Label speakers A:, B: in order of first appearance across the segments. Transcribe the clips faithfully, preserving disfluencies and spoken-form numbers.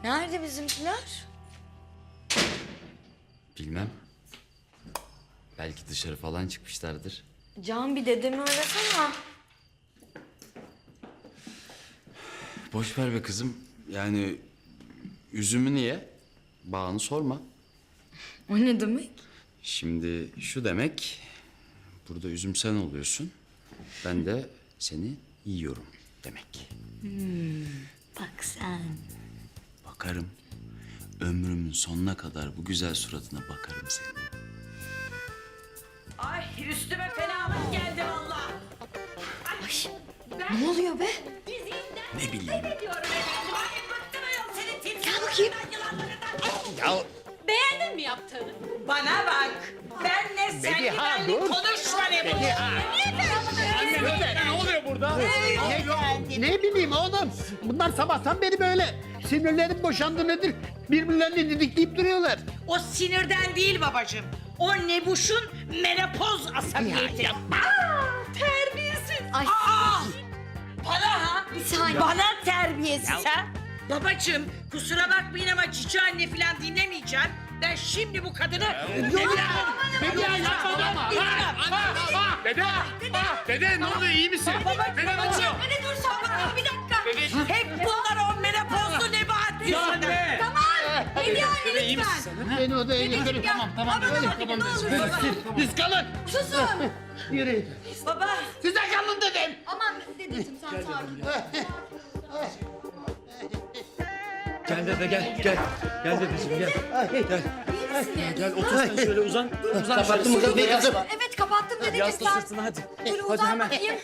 A: Nerede bizimkiler?
B: Bilmem. Belki dışarı falan çıkmışlardır.
A: Can bir dedemi arasana.
B: Boş ver be kızım. Yani üzümü niye? Bağını sorma.
A: O ne demek?
B: Şimdi şu demek... Burada üzüm sen oluyorsun. Ben de seni yiyorum demek.
A: Bak sen.
B: Bakarım. Ömrümün sonuna kadar bu güzel suratına bakarım senin.
C: Ay üstüme fenalık geldi vallahi.
A: Ne oluyor be?
B: Ne bileyim.
C: Diyorum efendim. Ay bıktım ayol senin timsahlarından,
A: Gel bakayım.
C: yılanlarından.
B: Ya
C: Beğendin mi yaptığını? Bana bak. Ben ne sen
D: Bediha,
C: güvenlik
D: dur.
C: konuşma ne bu?
D: Ne oluyor burada? Ne, ne bileyim oğlum. Bunlar sabahtan beri böyle. Sinirlerim boşandı nedir? Birbirlerini didikleyip duruyorlar.
C: O sinirden değil babacığım. O Nebuş'un menopoz asabiyeti. Aa, terbiyesiz.
A: Ay.
C: Aa, bana ha?
A: Bir saniye.
C: Bana terbiyesiz ha? Babacığım kusura bakmayın ama cici anne falan dinlemeyeceğim. Ben şimdi bu kadını...
D: Yok ya. Bediha yapma ama.
E: Dede! Ah, dede ne oluyor iyi misin?
C: Babacığım,
E: Dede ne
C: babacığım.
E: oluyor?
C: Beni dur sen bir dakika. Hep bunlar o menopozlu nebahat yüzünden.
A: Tamam. Hediye anne
E: iyi misin
A: lütfen.
D: Beni odaya götürün.
A: Tamam tamam.
D: Öyle,
A: Tamam ne olur.
D: Biz kalın.
A: Susun.
D: Yürüyün.
C: Baba.
D: Size kalın dedim.
A: Aman dedeciğim sen sakin ol.
F: Gel dede gel gel. Gel dedeciğim gel. Gel.
A: İyi misiniz?
F: Gel otur sen şöyle uzan. Uzan
D: Kapattın mı
F: şöyle.
D: kapıyı kızım?
A: Evet kapattım dedeciğim
F: Yasla
A: sen.
F: sırtına hadi.
A: Dur
F: Hadi
A: uzan
F: hemen.
A: bakayım.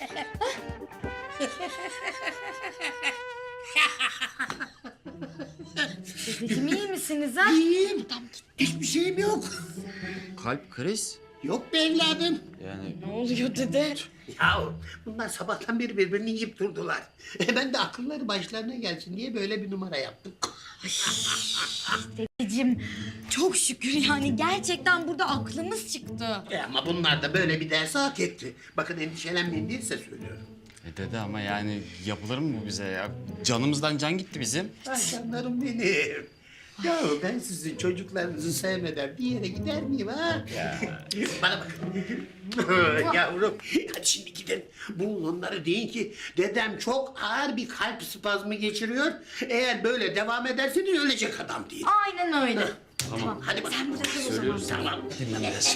A: Dedeciğim iyi misiniz ha?
D: İyiyim. Hiçbir şeyim yok.
B: kalp kriz.
D: Yok be evladım.
B: Yani
A: Ne oluyor dede?
D: Ya bunlar sabahtan beri birbirini yiyip durdular. E ben de akılları başlarına gelsin diye böyle bir numara yaptım.
A: Dedeciğim çok şükür yani gerçekten burada aklımız çıktı.
D: E ama bunlar da böyle bir dersi hak etti. Bakın endişelenmeyin diye size söylüyorum.
B: e dede ama yani yapılır mı bu bize ya? Canımızdan can gitti bizim.
D: Ay canlarım benim. Ya ben sizin çocuklarınızı sevmeden bir yere gider miyim ha? Bana bakın. Yavrum hadi şimdi gidin. Bulun onları deyin ki dedem çok ağır bir kalp spazmı geçiriyor. Eğer böyle devam ederseniz ölecek adam değil.
A: Aynen öyle.
D: Tamam hadi bakalım.
A: Sen burada kal o zaman.
B: Söylüyoruz
D: Tamam.
B: dinlemez.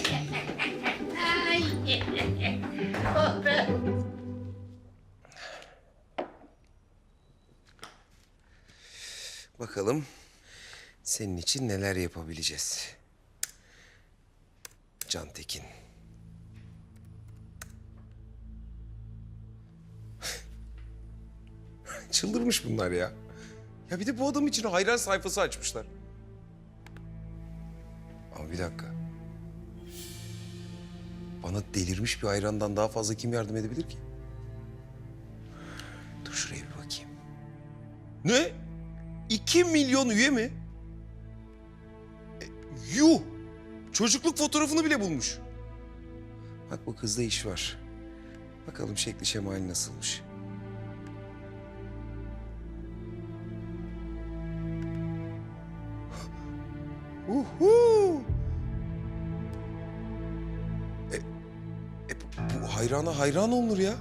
D: Oh be.
G: Bakalım senin için neler yapabileceğiz. Can Tekin. Çıldırmış bunlar ya. Ya bir de bu adam için hayran sayfası açmışlar. Ama bir dakika. Bana delirmiş bir hayrandan daha fazla kim yardım edebilir ki? Dur şuraya bir bakayım. Ne? İki milyon üye mi? E, yuh! Çocukluk fotoğrafını bile bulmuş. Bak bu kızda iş var. Bakalım şekli şemali nasılmış. Uhu! E, e, bu- bu hayrana hayran olunur ya.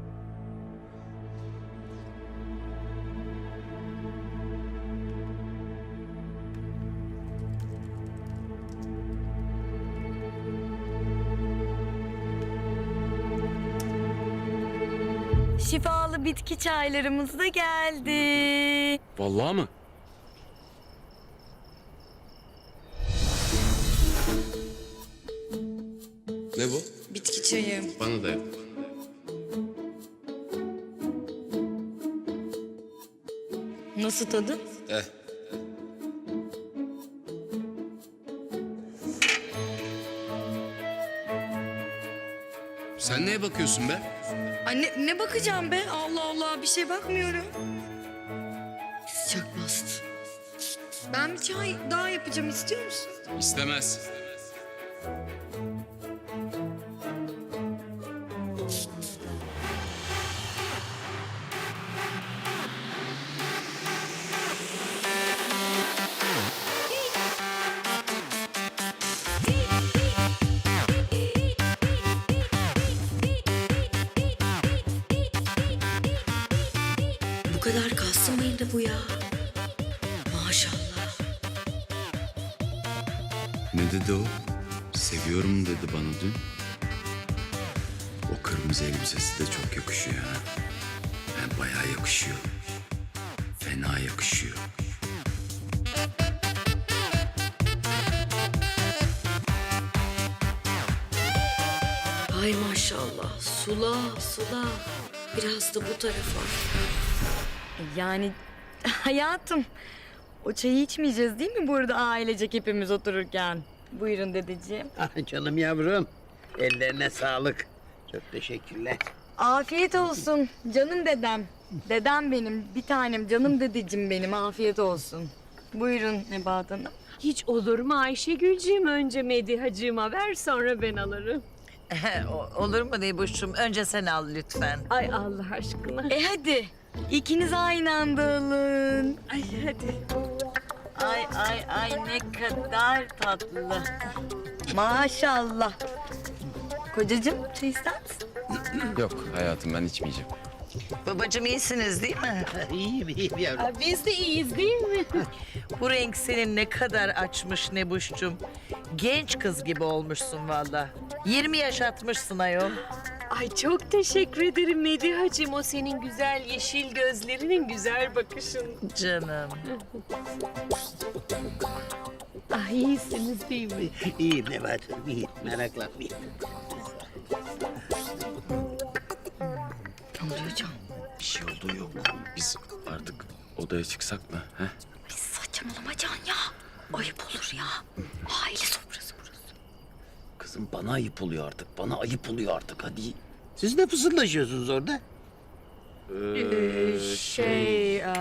A: Şifalı bitki çaylarımız da geldi.
E: Vallahi mı?
B: Ne bu?
A: Bitki çayı.
B: Bana da yap.
A: Nasıl tadı?
B: Eh. Sen neye bakıyorsun be?
A: Anne ne bakacağım be? Allah Allah bir şey bakmıyorum. Sıcak bastı. Ben bir çay daha yapacağım istiyor musun?
B: İstemez.
A: kadar kaslı mıydı bu ya? Maşallah.
B: Ne dedi o? Seviyorum dedi bana dün. O kırmızı elbisesi de çok yakışıyor ha. Yani bayağı yakışıyor. Fena yakışıyor.
A: Ay maşallah. Sula sula. Biraz da bu tarafa.
H: Yani hayatım, o çayı içmeyeceğiz değil mi burada ailecek hepimiz otururken? Buyurun dedeciğim.
D: Ah canım yavrum. Ellerine sağlık. Çok teşekkürler.
H: Afiyet olsun canım dedem. Dedem benim, bir tanem canım dedeciğim benim, afiyet olsun. Buyurun Nebahat Hanım.
I: Hiç olur mu Ayşegülcüğüm? Önce Medihacığıma ver, sonra ben alırım.
C: O- Olur mu Nebuş'cum? Önce sen al lütfen.
I: Ay Allah aşkına.
H: E hadi, ikiniz aynı anda alın.
I: Ay hadi.
H: Ay ay ay ne kadar tatlı. Maşallah. Kocacığım çay ister misin?
B: Yok hayatım ben içmeyeceğim.
C: Babacığım iyisiniz değil mi?
D: İyiyim iyiyim yavrum.
I: Ay, biz de iyiyiz değil mi?
C: Bu renk senin ne kadar açmış Nebuş'cum. Genç kız gibi olmuşsun valla. yirmi yaş atmışsın ayol.
I: Ay çok teşekkür ederim Medihacığım. O senin güzel yeşil gözlerinin güzel bakışın.
C: Canım.
I: Ay iyisiniz değil mi?
D: İyiyim Nebahat Hanım iyiyim. Meraklanmayın.
B: Bir şey olduğu yok. Biz artık odaya çıksak mı? He?
A: Saçmalama Can ya. Ayıp olur ya. Aile sofrası burası.
B: Kızım bana ayıp oluyor artık. Bana ayıp oluyor artık hadi.
D: Siz ne fısıldaşıyorsunuz orada?
H: Ee, şey, e,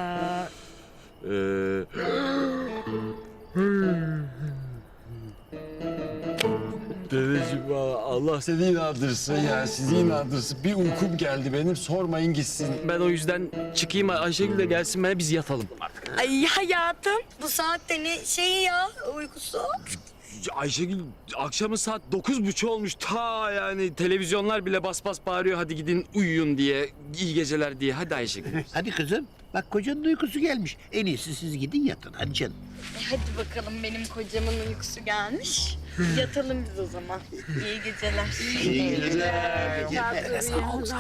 F: Dedeciğim valla Allah seni inandırsın ya. Sizi inandırsın. Bir uykum geldi benim. Sormayın gitsin. Ben o yüzden çıkayım. Ayşegül de gelsin bana biz yatalım.
H: ay hayatım bu saatte ne şeyi ya uykusu?
F: Ayşegül akşamın saat dokuz buçuk olmuş. Ta yani televizyonlar bile bas bas bağırıyor. Hadi gidin uyuyun diye. İyi geceler diye. Hadi Ayşegül.
D: Hadi kızım. Bak kocanın uykusu gelmiş. En iyisi siz gidin yatın. Hadi canım.
H: E hadi bakalım benim kocamın uykusu gelmiş. Yatalım biz o zaman. İyi geceler.
D: İyi geceler.
I: Sağ ol,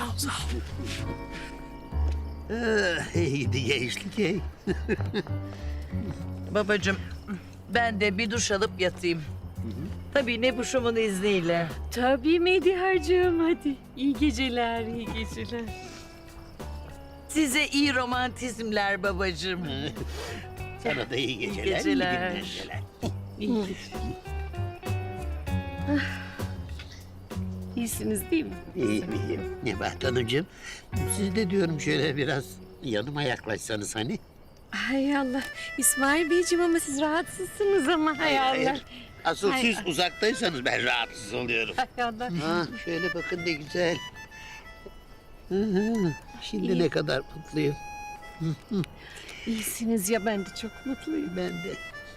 D: Ah, iyiydi gençlik ey.
C: Babacığım ben de bir duş alıp yatayım. Tabii Nebuş'umun izniyle.
I: Tabii Medihacığım hadi. İyi geceler, iyi geceler.
C: Size iyi romantizmler babacığım.
D: Sana da iyi geceler. iyi
C: geceler.
D: günler, geceler.
I: İyi geceler. İyisiniz değil mi?
D: İyiyim iyiyim. Nebahat Hanımcığım. Siz de diyorum şöyle biraz yanıma yaklaşsanız hani.
I: Hay Allah. İsmail Beyciğim ama siz rahatsızsınız ama hay Allah.
D: Hayır. Asıl
I: Hay
D: siz
I: Allah.
D: uzaktaysanız ben rahatsız oluyorum.
I: Hay Allah.
D: Ha, şöyle bakın ne güzel. Hı hı. Şimdi ne kadar mutluyum.
I: İyisiniz ya ben de çok mutluyum.
D: Ben de.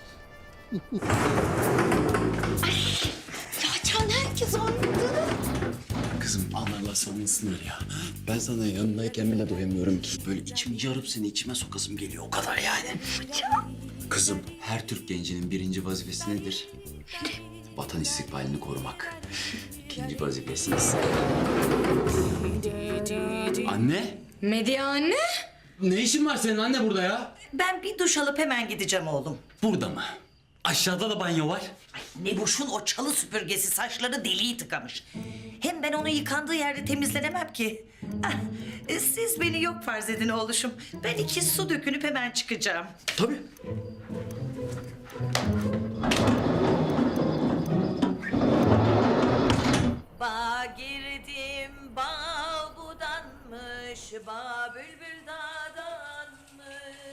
A: Ya Can herkes anladı.
B: Kızım anlarlar sanılsınlar ya. Ben sana yanındayken bile doyamıyorum ki. Böyle içimi yarıp seni içime sokasım geliyor o kadar yani. Kızım her Türk gencinin birinci vazifesi nedir? Vatan istikbalini korumak. İkinci vazifesi ise... Anne?
A: Medya anne.
B: Ne işin var senin anne burada ya?
C: Ben bir duş alıp hemen gideceğim oğlum.
B: Burada mı? Aşağıda da banyo var.
C: Nebuş'un o çalı süpürgesi saçları deliği tıkamış. Hem ben onu yıkandığı yerde temizlenemem ki. Ah, e, siz beni yok farz edin oğluşum. Ben iki su dökünüp hemen çıkacağım.
B: Tabii.
C: Bağ girdim, bağ budanmış, bağ bülbül dağdanmış.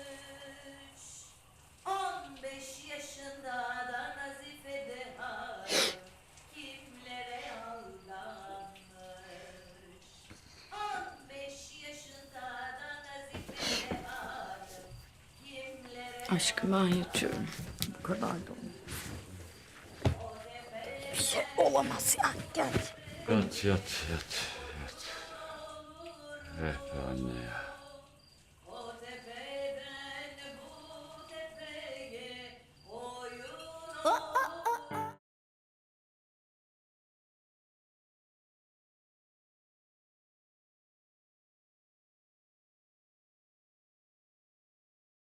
C: On beş yaşında da Nazife Hanım kimlere aldanmış. On beş yaşında da Nazife Hanım kimlere
A: Aşkım ben yatıyorum.
H: Bu kadar da olmaz. Bir şey olamaz yani gel.
B: Yat yat yat. Yat. Eh be anne ya.